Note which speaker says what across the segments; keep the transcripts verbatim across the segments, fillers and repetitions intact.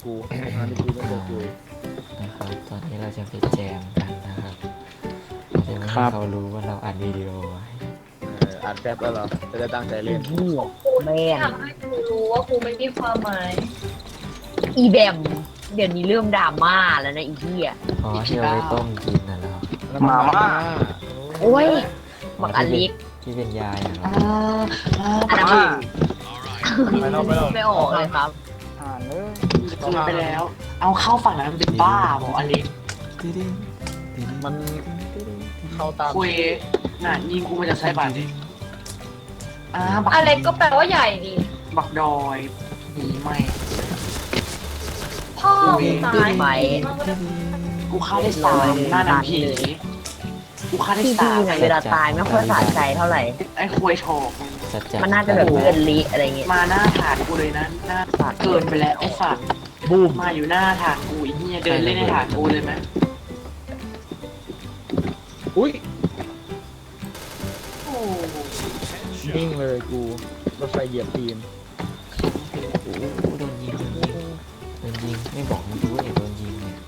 Speaker 1: กูงานที่กูต้องบอกกู
Speaker 2: นะครับตอนนี้เราจะไปแจมกันนะครับจะไม่ให้เขารู้ว่าเราอัดวิดีโอไว้
Speaker 1: เอออัดแป๊บแล้วเหรอจะได้ตั้งใจเล่น
Speaker 3: นี่แม่ง
Speaker 4: ทำให้กูรู้ว่ากูไม่มีความหมาย
Speaker 3: อีแบมเดี๋ยวนี้เริ่มดราม่าแล้วนะอีเหี้ย
Speaker 2: อ๋อที่เราไปต้มกินน่ะเหรอ
Speaker 1: แล้วมาม่า
Speaker 3: โอ้ยบักอลิก
Speaker 2: ที่เป็นยายเหรอ
Speaker 3: อันนั้น
Speaker 1: ไปแล้วไปแล้ว
Speaker 3: ไม่ออกเลยครับ
Speaker 5: อ่านเลยคืนไปแล้ว เอาเข้าฝั่งนั้นมันเป็นบ้าบอกอลิส
Speaker 2: ติ๊ดติ๊ด
Speaker 1: มันเข้าตาม
Speaker 5: คุยน่ะยิงกูมาจากไซบันดิอ่าบัก
Speaker 4: อะไรก็แปลว่าใหญ่ดิ
Speaker 5: บักดอยหนีไม่
Speaker 4: พ่อมึงตาย
Speaker 3: ไป
Speaker 5: กูฆ่าได้สามหน้าหนังผีกูฆ่าได้
Speaker 3: ที่
Speaker 5: สา
Speaker 3: พี่
Speaker 5: ม
Speaker 3: เนี่ยเวลาตายไม่ค่อยสะใจเท่าไหร่
Speaker 5: ไอ้คุยโชก
Speaker 2: สัจจะ
Speaker 3: มันน่าจะแบบเพื่อนลิอะไรเงี้ย
Speaker 5: มาหน้าฐานกูเลยนะหน้าฐานเกินไปแล้วไอ้สัตว์
Speaker 1: บูม
Speaker 5: มาอยู่หน้าฐานกูไอ้เหี้ยเดินเล่นในฐานกูเลยไหม
Speaker 1: อุ้ย
Speaker 5: โอ้
Speaker 1: นิ่งเลยกูรถไฟเหยียบตีน
Speaker 2: โอ้โหโดนยิงโดนยิงโดนยิงไม่บอกมันรู้เลยโดนยิงเนี่ย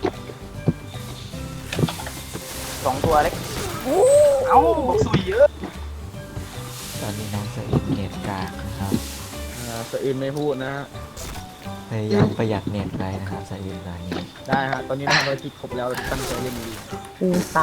Speaker 5: สองตัวเล็กเอ้าบอกสุยเยอะ
Speaker 2: ตอนนี้น้องสะอิดเน็ตกากนะครับ
Speaker 1: อ่าสะอื่นไม่พูดนะฮะ
Speaker 2: พยายามประหยัดเน็ตไปนะครับสะอิดตอนนี้
Speaker 1: ได้ฮะตอนนี้ทำภารกิจครบแล้วเราตั้งใจเล่นดี
Speaker 3: กูซ้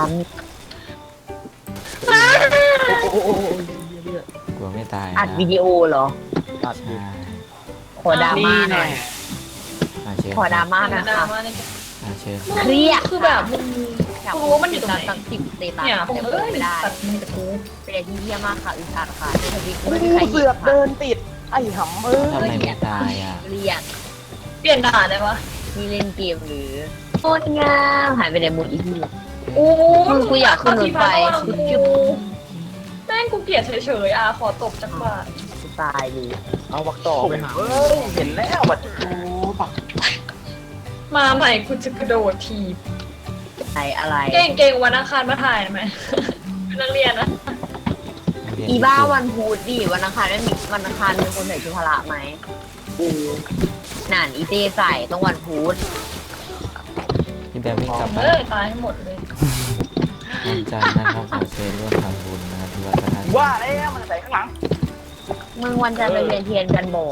Speaker 1: โอ้โหโอ้โหเหี้ย
Speaker 2: กลัวไม่ตาย
Speaker 3: ำ
Speaker 2: นะ
Speaker 3: อัดวิดีโอเหรอ
Speaker 1: ตัดดิ
Speaker 2: ใช่
Speaker 3: ขอดราม่า
Speaker 5: นี่
Speaker 3: หน่
Speaker 5: แน่
Speaker 3: อย
Speaker 2: มาเชิญ
Speaker 3: ขอดราม่า
Speaker 4: ด
Speaker 3: นะ
Speaker 4: รา
Speaker 3: คะ
Speaker 4: ม่าใน
Speaker 2: มาเชิญ
Speaker 3: เครียด
Speaker 4: คือแบบมึง
Speaker 3: อยาก
Speaker 4: กูรู้ว่ามันอยู่ตรงไหน
Speaker 3: ตั้งสิบเตตัส
Speaker 4: เนี่ยผม
Speaker 3: แต่
Speaker 4: เอ้ย
Speaker 3: ไม่ได้
Speaker 4: ตัดมึงกับกู
Speaker 3: เป็นอะไรที่เยี่ยมมากค่ะอึดอัดค่ะในทวิต
Speaker 5: กู
Speaker 3: ไม่มีใคร
Speaker 5: เสื
Speaker 3: เห็
Speaker 5: อน ก
Speaker 3: ค่ะ
Speaker 5: เดินติดไอ้หำเอ้
Speaker 2: ทำไม
Speaker 5: ย
Speaker 2: ไม่ตายอ่ะ
Speaker 3: เรียก
Speaker 4: เปลี่ยนด่านได้ปะ
Speaker 3: นี่เล่นเกมหรือโคตรงามหายไปในมุดอีกที
Speaker 4: โอ้
Speaker 3: มึงกูอยากขึ้นรถไฟ
Speaker 4: กูแม่งกูเกลียดเฉยๆอ่ะขอตบจักบาท
Speaker 3: กูตายเลย
Speaker 1: เอาวักต่อไปหา
Speaker 5: เอ้ยเห็นแล้วบัดโอ้บัก
Speaker 4: มาใหม่กูจะกระโดดทีบ
Speaker 3: อะไรอะไร
Speaker 4: เก่งเก่งวันอังคารมาถ่ายไหมเป็นนักเรียนนะ
Speaker 3: อีบ้าวันพุธดิวันอังคารไม่มีวันอังคารมีคนใส่ชุดพละไหม
Speaker 5: กู
Speaker 3: นั่นอีเจใส่ต้องวันพุธ
Speaker 2: พี่แบมวิ่งกลับ
Speaker 4: เอ
Speaker 2: บ้าน
Speaker 4: อตายให้หมดเลย
Speaker 2: วันจันทร์นะครับขอเชิญร่วมทำบุญนะครับที่วัดพระธาตุ
Speaker 5: ว่าแล้วมันใส่ข้างหลัง
Speaker 3: มึงวันจันทร์ไปเวียนเทียนกันบ่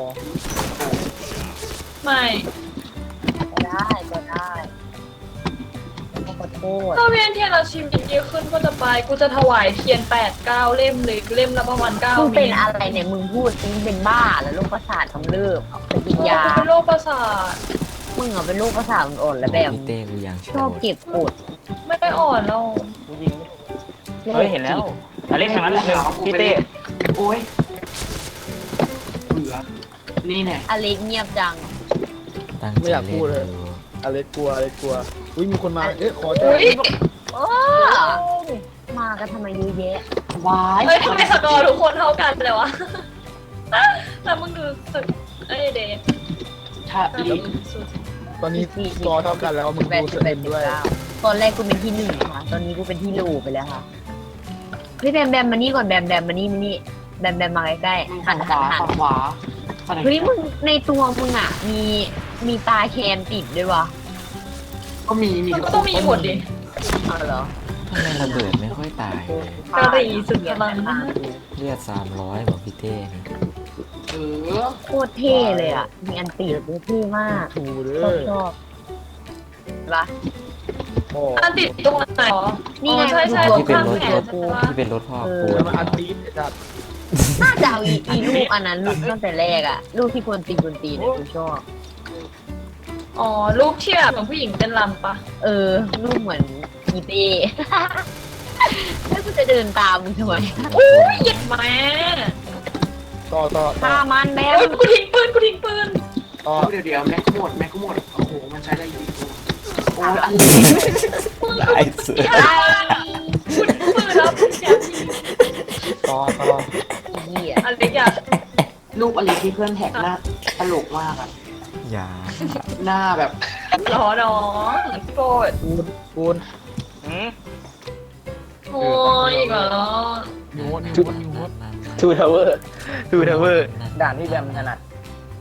Speaker 4: ไม่
Speaker 3: ก็ได้ก็ได้ขอโทษ
Speaker 4: ถ้าเวียนเทียนเราชิมเยอะขึ้นก็จะไปกูจะถวายเทียนแปดเก้าเล่มเลยเล่มละประมาณเก้า
Speaker 3: มึง
Speaker 4: เม
Speaker 3: เป็น
Speaker 4: ตร
Speaker 3: อะไรเนี่ยมึงพูดซิเป็นบ้าแล้วโรคประสาทกำเริบไปกินยา
Speaker 4: กูเป็นโรคประสาท
Speaker 3: มึงเหรอเป็นโรคประสาทอ่อนๆแล้วแบบ
Speaker 2: พี่เต้กูยังโช
Speaker 3: ชอบ
Speaker 2: ว์
Speaker 3: เก็บกด
Speaker 4: ไม่ได้อ่อนแล้ว
Speaker 6: เฮ้ยเห็นแล้วอเล็กทางนั้นแหละพี่เต้
Speaker 5: โอ้ยเบื่อนี่แน่
Speaker 3: อเล็กเงียบจัง
Speaker 2: ตั้งใจเล่นดู
Speaker 1: อะไรกลัวอะไรกลัวอุ้ยมีคนมาเอ๊ะขอเจอ
Speaker 4: อุ้ย
Speaker 3: โอ้มากันทำไมเยอะแยะ
Speaker 5: วาย
Speaker 4: เฮ้ยทำไมสกอร์ทุกคนเท่ากันเลยวะ แล้วมึงดูสึกเอ้ยเดย์
Speaker 5: ถ้าอีก
Speaker 4: สุด
Speaker 1: ตอนนี้สกอร์เท่ากันแล้วมึง
Speaker 3: แปด
Speaker 1: ดู
Speaker 3: สิ
Speaker 1: ส
Speaker 3: บแป
Speaker 1: เอ็
Speaker 3: ด
Speaker 1: น
Speaker 3: สิบ
Speaker 1: ด้วย
Speaker 3: เก้าตอนแรกกูเป็นที่หนึ่งค่ะ ตอนนี้กูเป็นที่โลไปแล้วค่ะพี่แบมแบมมานี่ก่อนแบมแบมมานี่มานี่แบมแบมมาใกล้ๆหั
Speaker 5: ฝั่
Speaker 3: น
Speaker 5: งข
Speaker 3: หัน
Speaker 5: วา
Speaker 3: หัน
Speaker 5: ฝั่งขวาฝั่งไหน
Speaker 3: เฮ้ยมึงในตัวมึงอ่ะ มีมีตาแคนติดด้วยวะ
Speaker 5: ก็มีมี
Speaker 4: มันก็ต้องมีหมดดิ
Speaker 3: เอาเหรอ
Speaker 2: ทำไมระเบิดไม่ค่อยตายเลย
Speaker 4: กะหรี่สุดพลัง
Speaker 2: เลือดสามร้อยบอกพี่เต้นี่
Speaker 5: เออ
Speaker 3: โคตรเท่เลยอ่ะ มีอันติดด้วยเท่มาก
Speaker 1: ถูเด้
Speaker 3: ชอบ
Speaker 1: อ
Speaker 3: ชอบปะ
Speaker 1: โอ้
Speaker 4: อันติดตรงไหนอ๋อ
Speaker 3: นี่ไง
Speaker 4: ใช่ใช่
Speaker 3: มัน
Speaker 2: ที่เป็นรถ
Speaker 4: ข้างแข
Speaker 2: ร
Speaker 4: น
Speaker 2: ถ
Speaker 4: ใช่ปะ
Speaker 2: ที่เป็นรถพ่อ
Speaker 3: เออ
Speaker 2: ปู
Speaker 1: แล้ว
Speaker 2: น
Speaker 1: มาอันตีนจัด
Speaker 3: น่าจะเอาอีอีลูกอันนั้นลูกตั้งแต่แรกอ่ะ ลูกที่ควรตีควรตีเนี่ยกูชอบ
Speaker 4: อ๋อรูปที่แบบเหมือนผู้หญิงเต้นรำปะ
Speaker 3: เออ ลูกเหมือนอีเต้ แล้วกูจะเดินตามมึงทำไม
Speaker 4: อุ้ยเหยียดแม่
Speaker 1: ต่อต่อต่อ
Speaker 3: ตามันแม่
Speaker 4: เอ้ยกูทิ้งปืนกูทิ้งปืน
Speaker 1: ต่อ
Speaker 5: เดี๋ยวเดี๋ยวแม็กหมดแม็กหมดโอ้โหมันใช้ได้ยิงตัวโอ้ยอัน
Speaker 2: ได้สุด
Speaker 3: ไอ้
Speaker 4: กูทิ้งปืนแล้วกูอยากยิง
Speaker 1: ต่อต่อ
Speaker 3: เหี้ย
Speaker 4: อะไรอยาก
Speaker 5: รูปอะไรที่เพื่อนแท็กหน้าตลกมากอะ
Speaker 2: อย่า
Speaker 5: หน้าแบบ
Speaker 4: ล้อน้องโกรธ
Speaker 1: ปูนปูน
Speaker 6: หืม
Speaker 4: โอ้ยอีกเหรอ
Speaker 1: ยูโฮยูโฮยูโฮ
Speaker 2: นั่นนั่น
Speaker 6: ทูทาวเวอร์ทูทาวเวอร์
Speaker 2: นั่น
Speaker 6: ด่านที่แบมถนัด
Speaker 2: นั่นนั่น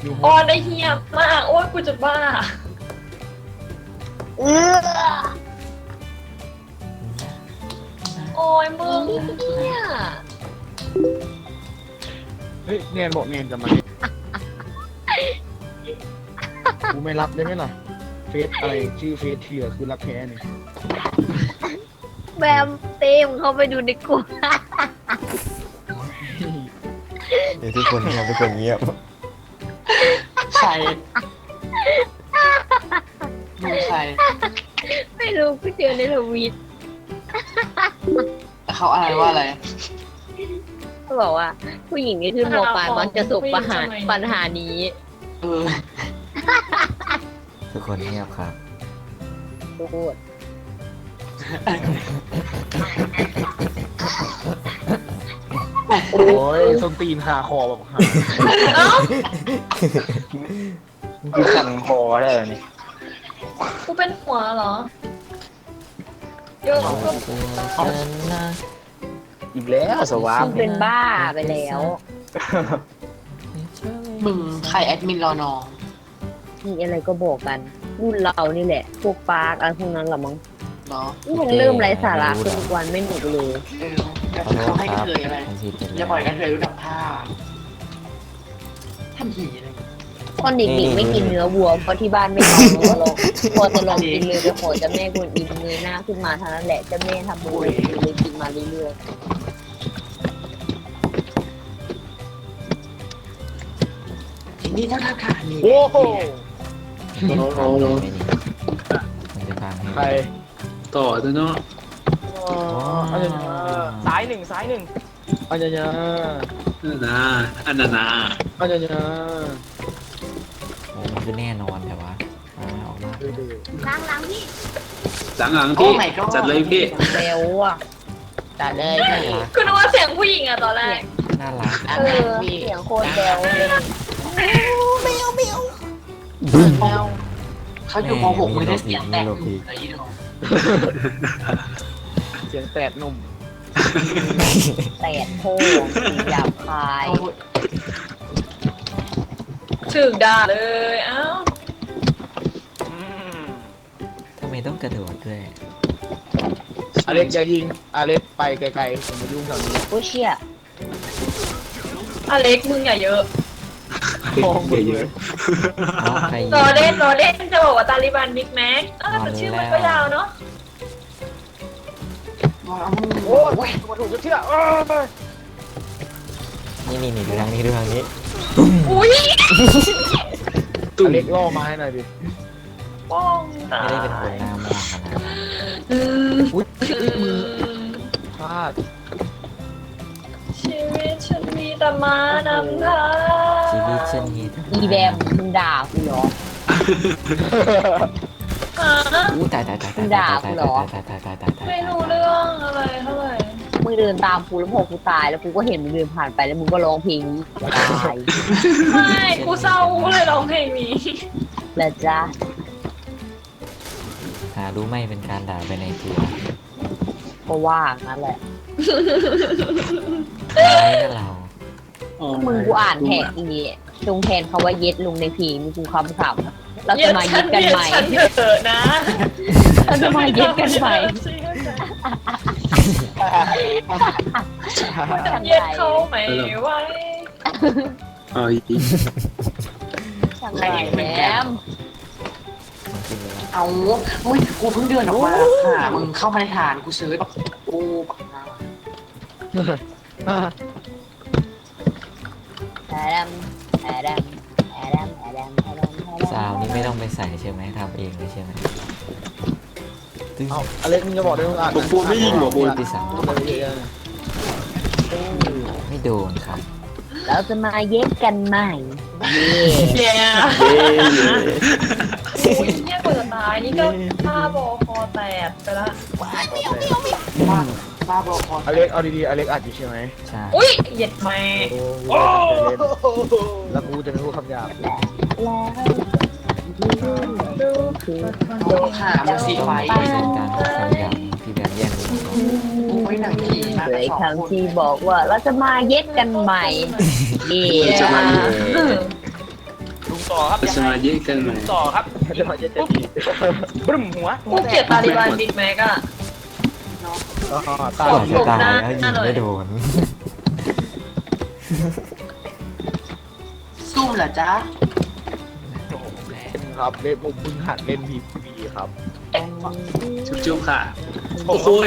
Speaker 1: อยู่
Speaker 4: ออนได้เฮียมากโอ้ยกูจะบ้า
Speaker 3: เออ
Speaker 4: โอ้ยมึงเนี่ย
Speaker 1: เฮ้ยเนียนบอกเนียนจะมากูไม่รับได้ไหมล่ะเฟซอะไรชื่อเฟซเถื่อคือรักแท้เนี่ย
Speaker 3: แบมเต็มเข้าไปดูในกลุ่ม
Speaker 2: เดี๋ยวทุกคนเงียบทุกคนเงียบ
Speaker 5: ใครดูใคร
Speaker 3: ไม่รู้กูเจอในทวิต
Speaker 5: เขาอะไรว่าอะไร
Speaker 3: เขาบอกว่า ผู้หญิงที่ขึ้นโมปลายมักจะประสบปัญหาปัญหานี้
Speaker 5: เออ
Speaker 2: ทุกคนเงียบครับ
Speaker 3: พูด
Speaker 1: โอ้ยส้นตีนหาคอแบบหา
Speaker 4: เอ้า
Speaker 6: กูสั่นคอได้เลยนี่
Speaker 4: กูเป็นหัวเหรอเยอะก็
Speaker 6: อีกแล้วสวา
Speaker 3: มึงเป็นบ้าไปแล้ว
Speaker 5: มึงใครแอดมินรอน้อง
Speaker 3: มีอะไรก็บอกกัน รุ่นเรานี่แหละ พวกปาร์กอะไรพวกนั้นหรอมั้ง
Speaker 5: เนาะ
Speaker 3: นี่มันเริ่มไร้สาระขึ้นทุกวันไม่หนุกเลย
Speaker 5: เออแล้วเขาให้กระเทยอะไร
Speaker 2: ผมผิดไป
Speaker 5: อ
Speaker 2: แล้
Speaker 5: ย่าว ปล่อยกระเทยรู้ดับผ้าทำหีอะไร
Speaker 3: ตอนเด็กๆไม่กินเนื้อวัวเพราะที่บ้านไม่เอาเนื้อลงพอจะลองกินเลยไปขอเจ้าแม่กวนอิมเงยหน้าขึ้นมาเท่านั้นแหละเจ้าแม่ทำบุญเลยกินมาเรื่อย
Speaker 5: ทีนี้ถ้าทักขานี่
Speaker 1: โอ้โห
Speaker 2: มันจะพังให้
Speaker 1: ใคร
Speaker 7: ต่อตัวเนาะ
Speaker 1: อ๋ออันนี้
Speaker 6: ซ้ายหนึ่งซ้ายหนึ่ง
Speaker 1: อันนี้
Speaker 7: นั่นนะอันนานา
Speaker 1: อันนี้
Speaker 2: โอ้มันคือแน่นอนแต่ว่าเอาไม่ออกมา
Speaker 3: ๆล้างล้างพี่
Speaker 7: หลังหลังพี่จัดเลยพี่
Speaker 3: เร็วอ่ะจัดเลย
Speaker 2: น่า
Speaker 3: พี่
Speaker 2: รัก
Speaker 4: คือนึกว่าเสียงผู้หญิงอะตอนแรก
Speaker 2: น่ารัก
Speaker 3: เออเสียงโคตรแบวเลย
Speaker 5: เขาอยู่ม .หก ไม่ได้เสียงแตกเลยอีดอก
Speaker 1: เสียงแตดหนุ่ม
Speaker 3: แตดโพงสีหยาบคาย
Speaker 4: ถึกด่าเลยเอ้า
Speaker 6: อืม
Speaker 2: ทำไมต้องกระโดดด้วย
Speaker 1: อเล็กอย่ายิงอเล็กไปไกลๆผมมายุ่งแถวนี้
Speaker 3: โอ้เชี่ย
Speaker 4: อเล็กมึงอย่าเยอะ
Speaker 1: มองไปเลย
Speaker 2: น้องใครยิง
Speaker 4: รอเล่นรอเล่นจะบอกว่าตาลิบันบิ๊กแม็กเออแต่ชื่อมันก็ยาวเนาะ
Speaker 1: โอ้ยมาถูกจะเชื่อเออ
Speaker 2: นี่นี่นี่ดูทางนี้ดูทางนี้
Speaker 4: อุ้ย
Speaker 7: ตุ้
Speaker 1: อ
Speaker 7: ม
Speaker 1: เล็กล่อมาให้หน่อยดิ
Speaker 4: ป้องตา
Speaker 2: ไม่ได้เป็นคนหน้ามองขนาดนั้น
Speaker 4: อืม
Speaker 1: อุ้ยมือพลาด
Speaker 4: ชีวิตฉันมีแต่มานำทาง
Speaker 2: ชีวิตฉันมีแต่
Speaker 3: อีแบมมึงด่ากูเหรอ
Speaker 4: ฮะ
Speaker 2: อู้ตายตายตายตาย
Speaker 3: ด่า
Speaker 2: ตาย
Speaker 3: กูเหรอ
Speaker 2: ตายตายตายตายตาย
Speaker 4: ไม่รู้เรื่องอะไรเท่าไหร่
Speaker 3: มึงเดินตามกูแล้วพอกูตายแล้วกูก็เห็นมึงเดินผ่านไปแล้วมึงก็ร้องเพลงนี้ตาย
Speaker 4: ไม่กูเศร้ากูเลยร้องเพลงนี้
Speaker 3: แล้วจ้า
Speaker 2: หารู้ไหมเป็นการด่าไปในตัว
Speaker 3: ก็ว่างั้นแหละ
Speaker 2: ร้ายกับเรา
Speaker 3: มึงกูอ่านแท็กอีนี่จงแทนคาว่าเย็ดลงในเพลงมึงกูคำขำเราจะมาเย็ดกันใหม่
Speaker 4: ฉันเถอะนะ
Speaker 3: เราจะมาเย็ดกันใหม่
Speaker 4: ฉันเย็ดเขาไหมไว้
Speaker 7: เอ๋ออีก
Speaker 3: ช่างไรแหม
Speaker 2: มันกินเลย
Speaker 5: เอาอุ้ยกูเพิ่งเดินออกมาหามึงเข้ามาในฐานกูเซิร์ชกูปักหน้า
Speaker 3: แอดมแอดมแอดมแอดมแอดมแอดม
Speaker 2: ซาวนี่ไม่ต้องไปใส่ใช่ไหมทำเองเลยใช่ไหมตึ้ง
Speaker 1: เอาอเล็กมึงจะบอกได้มึงอ่าน
Speaker 7: ผมปูไม่ยิงหัวปู
Speaker 2: ที่สามไม่โดนครับ
Speaker 3: เราจะมาเย็ดกันใหม่
Speaker 4: เย้โอ้ยเนี่ยกว่าจะตายนี่ก็ผ้าบอคอแตกไปละ
Speaker 5: บ้าบ้าบอคอ
Speaker 1: อเล็กเอาดีๆอเล็กอัดอยู่ใช่ไหม
Speaker 2: ใช่
Speaker 4: อุ้ยเหย็ดแม่
Speaker 1: โอ้แล้วกูจะไม่พูดคำหยาบ
Speaker 3: แล้ว
Speaker 4: ดู
Speaker 3: คือ
Speaker 5: โดนหามึงสีไฟ
Speaker 2: ไม่เป็นการพูดคำหยาบที่แบบแย่งกันก่อน
Speaker 5: กูไม่หนังผีนะ
Speaker 3: เคยคำที่บอกว่าเราจะมาเย็ดกันใหม่เย่
Speaker 7: จะมาเย
Speaker 6: ต่อครับ
Speaker 7: สมาธิกันไหม
Speaker 6: ต่อครับ
Speaker 1: จะมาเจ็ดจะดี
Speaker 6: บึ้มหัว
Speaker 4: กูเกลียดตาลิบันบิ๊กแม็กอะ
Speaker 1: อ๋อตาย
Speaker 2: ก่อนจะตาย
Speaker 4: หน้า
Speaker 2: แล้วยิง
Speaker 4: หน่อย
Speaker 2: ไม่โดน
Speaker 5: ซุ่มเหรอจ๊ะ
Speaker 1: ครับเล่นผมเพิ่งหัดเล่นพีพีครับ
Speaker 7: จุ๊บจุ๊บค่ะโอ้โหย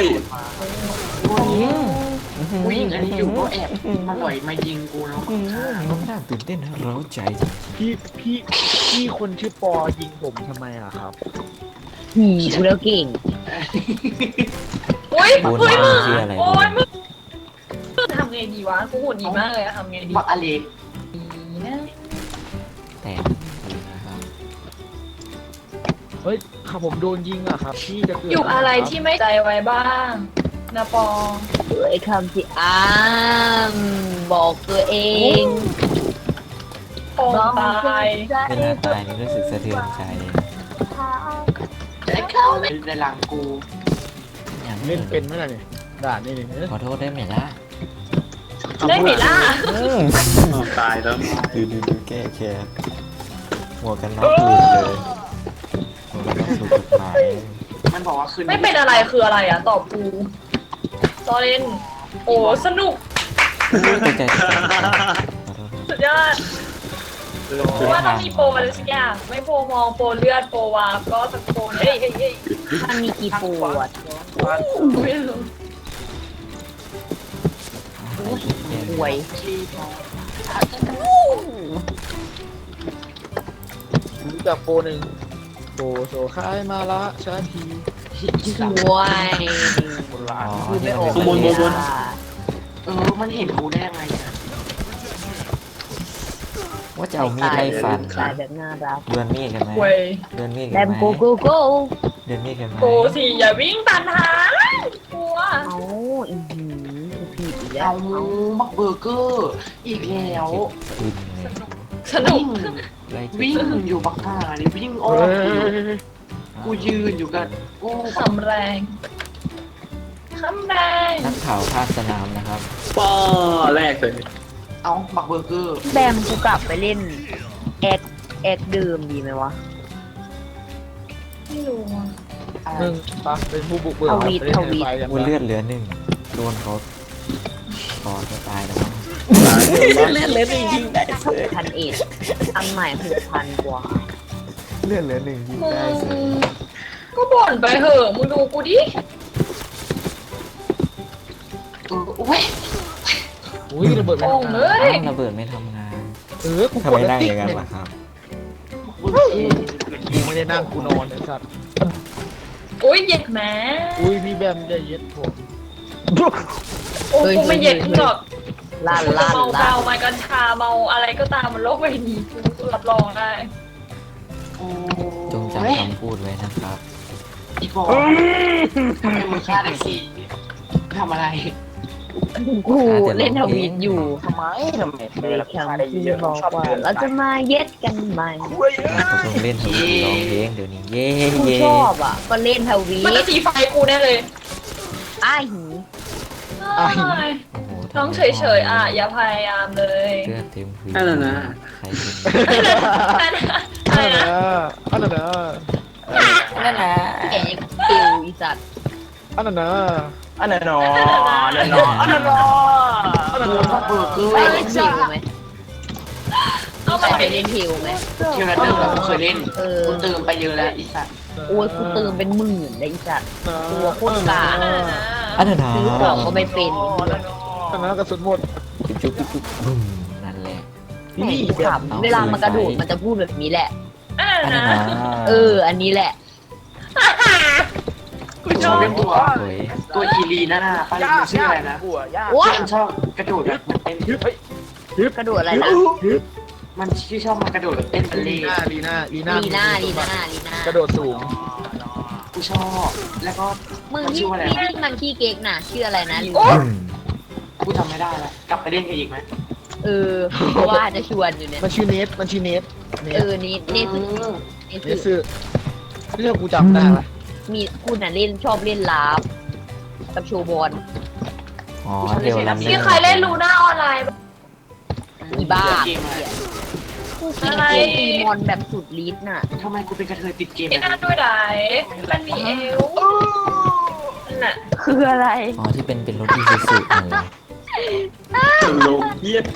Speaker 5: ผู้หญิงอันนี้อยู่ก็แอบมาหน่อยมายิงกูแล้ว
Speaker 2: อืมมันน่าตื่นเต้นนะเร้าใจจริง
Speaker 1: พี่พี่พี่คนชื่อปอยิงผมทำไมอะครับ
Speaker 3: หีกูแล้วเก่ง
Speaker 4: อุ้ย
Speaker 2: ๆปูน
Speaker 4: เฮ้ยมึง
Speaker 2: ชื่ออะไร
Speaker 4: โอ้ยมึงมึงทำไงดีวะกูหุ่นดีมากเลยอะทำไงดี
Speaker 5: บักอเล็ก
Speaker 4: ดีนะ
Speaker 2: แต่ดีนะครับ
Speaker 1: เฮ้ยข้าผมโดนยิงอะครับพี่จะเกิด
Speaker 4: อยู่อะไรที่ไม่ใจไว้บ้างนะปอ
Speaker 3: ไอ้คำที่อ้ามบอกตัวเอง
Speaker 4: ปองตาย
Speaker 2: เวลาตายนี่รู้สึกสะเทือนใจ
Speaker 5: ไอ้เข้าในหลังกู
Speaker 2: อย่าง
Speaker 1: เล่นเป็นไหมล่ะเนี่ยด่านนี่เนี่ย
Speaker 2: ขอโทษได้ไหมล่ะ
Speaker 4: ได้ไหมล่ะ
Speaker 2: อืม
Speaker 7: อ้าวตายแล้ว
Speaker 2: ดูดูดูแก้แค้นหัวกันน็อกหลุดเลยหัวกันน็อกถูกกฎหมาย
Speaker 5: มันบอกว่าคืน
Speaker 4: ไม่เป็นอะไรคืออะไรอะตอบกูตอนเล่นโอ้สนุก
Speaker 2: ตกใจตกใจขอโทษครับ
Speaker 4: สุดยอดเพราะว่าต้องมีโปรอะไรสักอย่างไม่โปรมองโปรเลือดโปรวาร์ปก็สักโปรเฮ้ยเฮ้ยเฮ้ย
Speaker 3: มันมีกี่ปวด
Speaker 4: ไม่รู้
Speaker 3: หวย
Speaker 5: ที่พอ
Speaker 1: รู้จักโปรหนึ่งโปรโซคายมาละชาที
Speaker 3: หวย
Speaker 2: อ๋อ
Speaker 3: คือไม่ออก
Speaker 7: ข้างบนบนบน
Speaker 5: เออมันเห็นกูได้ยังไงอะ
Speaker 2: ว่าจะเอามีดไล่ฟัน
Speaker 3: ตายแบบน่ารัก
Speaker 2: เดือนมีดกันไหม
Speaker 4: เว้ย
Speaker 2: เดือนมีด
Speaker 3: แบ
Speaker 2: กัน
Speaker 3: ม
Speaker 2: ไหม
Speaker 3: โกโกโก้
Speaker 2: เดือนมีดกันไหม
Speaker 4: โปรสิอย่าวิ่งตันหางกลัว
Speaker 3: เอาอีหือผิดอีกแล้ว
Speaker 5: เอาบักเบอร์เกอร์อีกแล้ว
Speaker 2: ขึ้นเลย
Speaker 4: สนุก
Speaker 5: วิ่ง
Speaker 2: ไล่เก็บ
Speaker 5: วิ่งอยู่บักห่านี่วิ่งอ้อ
Speaker 1: เฮ้
Speaker 5: ม
Speaker 1: ย
Speaker 5: กูยืนอยู่กันกู
Speaker 4: คำแรงคำแรง
Speaker 2: นักข่าวภาคสนามนะครับ
Speaker 7: ป้อแรกเลย
Speaker 5: เอาบักเบอร์เกอร์
Speaker 3: แบมกูกลับไปเล่นแอคแอคเดิมดีไหมวะ
Speaker 4: ไม่รู้อะ
Speaker 5: อะไร
Speaker 1: หนึ่งปะเป็นผู้บุกเบิก
Speaker 3: ทวีต
Speaker 1: ไปเล่น
Speaker 3: ทวีต
Speaker 1: ไฟกัน
Speaker 2: ว่า
Speaker 1: ปะ
Speaker 2: เลือดเหลือหนึ่งโดนเขาต่อจะตายแล้วมั้ง
Speaker 1: เล่นเล่นจริงได้
Speaker 3: พันเอ็ดอันใหม่หกพันกว่า
Speaker 2: เลือดเหลือหนึ่งยิง
Speaker 4: มึ
Speaker 2: ได้เสย
Speaker 4: งก็บ่นไปเหอะมึงดูกูดิ
Speaker 5: เออโอ้ย
Speaker 1: อุ้ยระเบิด
Speaker 4: โอ่งเล
Speaker 2: อ้าวย ระเบิดไม่ทำงาน
Speaker 1: เออกู
Speaker 2: ทำ
Speaker 1: ก
Speaker 2: ไม
Speaker 1: ดแล้ว
Speaker 2: นั่ง
Speaker 1: ติ๊
Speaker 2: อก ย่างนั้น
Speaker 1: เนี่ย
Speaker 2: ล่ะครับ
Speaker 5: บักเบอร์เกอร์
Speaker 1: ยิงไม่ได้นั่งกูนอนไอ้สัตว์
Speaker 4: โอ้ยเย็ดแหม
Speaker 1: อุ้ยพี่แบมจะเย็ดผม
Speaker 4: โอ้กูไม่เย็ดหรอก
Speaker 3: ล้าน
Speaker 4: กูจะ
Speaker 3: ล้าน
Speaker 4: เมา
Speaker 3: ล้า
Speaker 4: เมาน มากัญชาเมาอะไรก็ตามบนโลกใบนี้กูรับรองได้
Speaker 5: โอ้
Speaker 2: จงจำคำพูดไว้นะครับ
Speaker 5: อีบอกทำไมมึงฆ่าได้สี่ทำอะไร
Speaker 3: กูเล่นทวีตอยู่
Speaker 6: ทำไมทำไมเออ
Speaker 3: เลย
Speaker 6: แล้ว
Speaker 3: แคม
Speaker 6: ฆ่าได้
Speaker 3: ที่
Speaker 6: เยอะ
Speaker 3: บอก
Speaker 6: ชอบ
Speaker 3: ว่า
Speaker 6: เดิน
Speaker 3: เราจะมาเย็ดกันใหม่
Speaker 2: เราต้องเล่นทวีตร้องเพลงเดี๋ยวนี้เย่
Speaker 3: กู
Speaker 2: เย่
Speaker 3: ชอบอ่ะ ก็เล่นทวี
Speaker 4: มัน
Speaker 3: ต
Speaker 4: จะสีไฟกูแน่เลย
Speaker 3: อ้ายหี
Speaker 4: อ้าย
Speaker 2: โอ้โห
Speaker 4: น้องเฉยๆอ่ะอย่าพยายามเลย
Speaker 2: เลือดเต็มพื้น
Speaker 7: นั่นน่ะนะ
Speaker 2: ใครเป็น
Speaker 4: อะไรนะ
Speaker 1: อันนั้นนะ
Speaker 3: นั่นนะแกปิวอีสัตว์
Speaker 1: อันนั้นนะ
Speaker 6: อันนั้นนออันนั้นนออันนั้นนอ
Speaker 1: อันนั้น
Speaker 5: กู
Speaker 1: นะ
Speaker 5: บักเบอร์เกอร์
Speaker 3: ไปเล่นทิวไหม
Speaker 4: เอา
Speaker 3: ไป
Speaker 4: ไป
Speaker 3: เล่นทิวไหม
Speaker 5: เที่ยวนั้นเดิมแล้วกูเคยเล่น
Speaker 3: เออ
Speaker 5: กูเติมไปเยอะแล้วอีสัตว์
Speaker 3: โอ้ยกูเติมเป็นหมื่นเลยอีสัตว์ ตัวโคตรกา
Speaker 2: อันนั้นนะ
Speaker 3: ซื้อของก็ไม่เป็น
Speaker 1: อันนั้นกระสุนหมด
Speaker 2: จุ๊บจุ๊บจุ๊บบุ้มนั่นแหละ
Speaker 3: แหม่กูขำเวลามันกระโดดมันจะพูดแบบนี้แหละ
Speaker 4: อ่า
Speaker 2: อันนั้น
Speaker 4: นะ
Speaker 2: นะ
Speaker 3: เออ อันนี้แหละ
Speaker 4: กูชอบ
Speaker 5: เป็นตัว
Speaker 2: สวย
Speaker 5: ตัวอีลีน่าน่ะป้าลิมชื่ออะไรนะ
Speaker 6: หัวยาก
Speaker 3: โอ้ย
Speaker 5: มันชอบกระโดดแบบเหมือนเต้น
Speaker 3: กระโดดอะไรนะ
Speaker 5: มันชื่อชอบมันกระโดดแบบเต้นบัล
Speaker 1: ลี
Speaker 5: เล่
Speaker 1: น่าลีน่าลีน่า
Speaker 3: ลีน่าลีน่าลีน่าก
Speaker 1: ระโดดสูง
Speaker 5: กูชอบ แล้วก็
Speaker 3: มึง
Speaker 5: มัน
Speaker 3: ที่
Speaker 5: ชื่ออะไร
Speaker 3: ที่
Speaker 5: นะ
Speaker 3: ที่มันขี้เก๊กน่ะ ชื่ออะไรนะลืม
Speaker 2: บุ้ม
Speaker 5: กูจำไม่ได้แล้วกลับไปเล่นกันอีกไหม
Speaker 3: เออเพราะว่าจะชวนอยู่เนี่ย
Speaker 1: มันชื่อเนทมันชื่อเนทเน
Speaker 3: เอ
Speaker 1: ท
Speaker 3: อนี่นี่คือ
Speaker 5: เออ
Speaker 3: นี่
Speaker 1: เน
Speaker 3: คือ
Speaker 1: ทซื้อเรื่องกูจำได้ปะ
Speaker 3: มีคุณน่ะเล่นชอบเล่นลาฟกับโชว์บอล
Speaker 2: อ๋อเดี๋ยวลำ
Speaker 4: มีใครเล่นลูน่าออนไลน์บ้าง
Speaker 3: อีบ้า
Speaker 5: เกมอะไร
Speaker 3: เหี้ยกูกินเกมตีมอนแบบสุดฤทธิ์น่ะ
Speaker 5: ทำไมกูเป็นกระเทยติดเกม
Speaker 4: ไอ้
Speaker 5: แบบ
Speaker 4: หน้า
Speaker 5: นี้
Speaker 4: ด้วยไหนมันมีเอวนั่นน่ะ
Speaker 3: คืออะไร
Speaker 2: อ๋อที่เป็นเป็นรถอีซูซูนั่นแหละ
Speaker 7: ตลกเยี่ย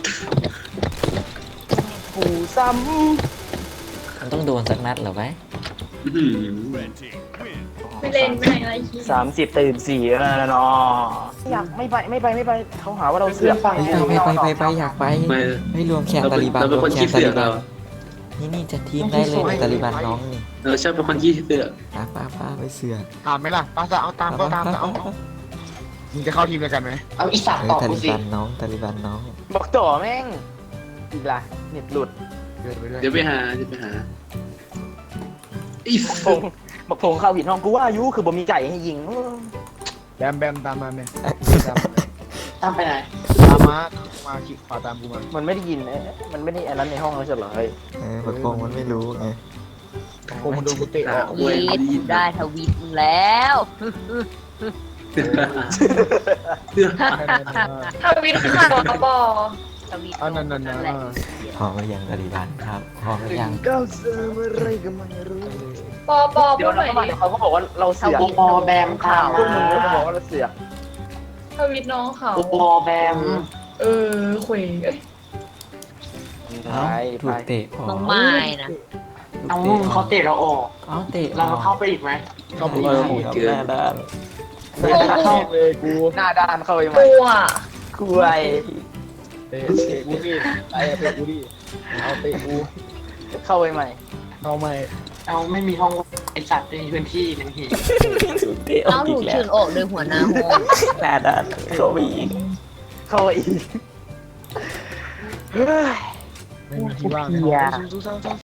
Speaker 6: กูซ้
Speaker 2: มันต้องโดนสักนัดเหรอไว้
Speaker 7: อื้อหือ
Speaker 4: ไม่เล่นไม่อะไร
Speaker 6: ำสามสิบตื่นสี่แล้วเนาะอยากไม่ไปไม่ไปไม่ไปเขาหาว่าเราเสือก
Speaker 2: ไปไปไปไปไปอยากไป
Speaker 7: ไม่
Speaker 2: ไม่รวมแข่ง
Speaker 7: เรา
Speaker 2: ตา
Speaker 7: เป็น
Speaker 2: ลีบัน
Speaker 7: เราเป็น
Speaker 2: รว
Speaker 7: ค
Speaker 2: ม
Speaker 7: น
Speaker 2: แข่
Speaker 7: ขี้
Speaker 2: งตา
Speaker 7: เสือ
Speaker 2: ลี
Speaker 7: ก
Speaker 2: บั
Speaker 7: เรา
Speaker 2: นนี่นี่จะทีมได้เลยในตาลีบันน้องนี่
Speaker 7: เราชอบเป็นคนขี้เสือก
Speaker 2: ป้าป้าป้าไปเสือก
Speaker 1: ตามไหมล่ะป้าจะเอาตามก็ตามจะเอามึงจะเข้าทีมเดียวกันไหม
Speaker 5: เอาอีสัตว์
Speaker 2: เอ
Speaker 5: ต
Speaker 2: อ
Speaker 5: อบ
Speaker 2: ตา
Speaker 5: กู
Speaker 2: ลี
Speaker 5: สิ
Speaker 2: บันน้องตาลีบันน้อง
Speaker 6: บอกต่อแม่งอีกละเน็ตหลุด
Speaker 1: เดินไปด้วย
Speaker 7: เดี๋ยวไปหาเดี๋ยวไปหาอี
Speaker 6: บอกพงบอกพงเข้าหินห้องกูว่าอายุคือบ่มีไก่ให้ยิง
Speaker 1: แบมแบมตามมาไหมตาม
Speaker 5: ตามไปไหน
Speaker 1: ตามมามาขีดขวาตามกูมา
Speaker 6: มันไม่ได้ยินเอ๊ะมันไม่ได้อันนั้นในห้องแล้วใช่เหรอเฮ้ย
Speaker 2: เออบักโกงมันไม่รู้ไง
Speaker 1: กูมันดูกูเตะออก
Speaker 3: ทวีตกูได้ทวีตมึงแล้ว
Speaker 4: ทวิตข่าวบอ
Speaker 3: ทวีต
Speaker 1: อันนั้นนั่น
Speaker 3: นั่
Speaker 1: นะ
Speaker 3: นแหละ
Speaker 2: พร้อมหรือยังตาลีบันครับพร้อมหรือยัง
Speaker 1: ก็เสืออะไรก็ไม่รู้
Speaker 4: ปอปอ
Speaker 6: เดี๋
Speaker 4: พู
Speaker 6: ยว
Speaker 4: ดห
Speaker 6: เรา
Speaker 4: น่อย
Speaker 6: เข้ามา
Speaker 4: ดิ
Speaker 6: เดี๋ยวเขาก็บอกว่าเราเสือก
Speaker 5: โอแบมข่าว
Speaker 6: พวกมึงก็บอกว่าเราเสือก
Speaker 4: ทวิตน้องเขา
Speaker 5: โอแบม
Speaker 4: เออคุยเอ้ย
Speaker 2: เอ้าถูกเตะออก
Speaker 3: น้องไม้นะ
Speaker 5: เอามึงเขาเตะเราออก
Speaker 2: เอ้าเตะ
Speaker 5: เราเข้าไปอีกไหม
Speaker 1: เข้าไป
Speaker 2: เอ
Speaker 1: อี
Speaker 2: อก หน้าด้าน
Speaker 1: ไม่ได้เข้าเลยกู
Speaker 6: หน้าด้านเข้าไปไหม
Speaker 4: กูอ่ะ
Speaker 6: กูไอ
Speaker 1: เตะเตะกูดิไอ้เตะกูดิเอาเตะกู
Speaker 6: เข้าไปใหม่
Speaker 1: เอาไม่
Speaker 5: เอาไม่มีห้องไอสัตว์ในพื้นที่นั่นเอง
Speaker 2: ถูกเตะออ
Speaker 3: เอา
Speaker 2: ก
Speaker 3: ถู
Speaker 2: อี
Speaker 3: ก
Speaker 2: กแล้
Speaker 3: เชิ
Speaker 2: ว
Speaker 3: ญออกโดยหัวหน้าห้อง
Speaker 2: หน้าด้านเข้าไปอีก
Speaker 6: เข้าไปอีก
Speaker 1: ไม่มีที่ว่างในห้องสู้ๆๆ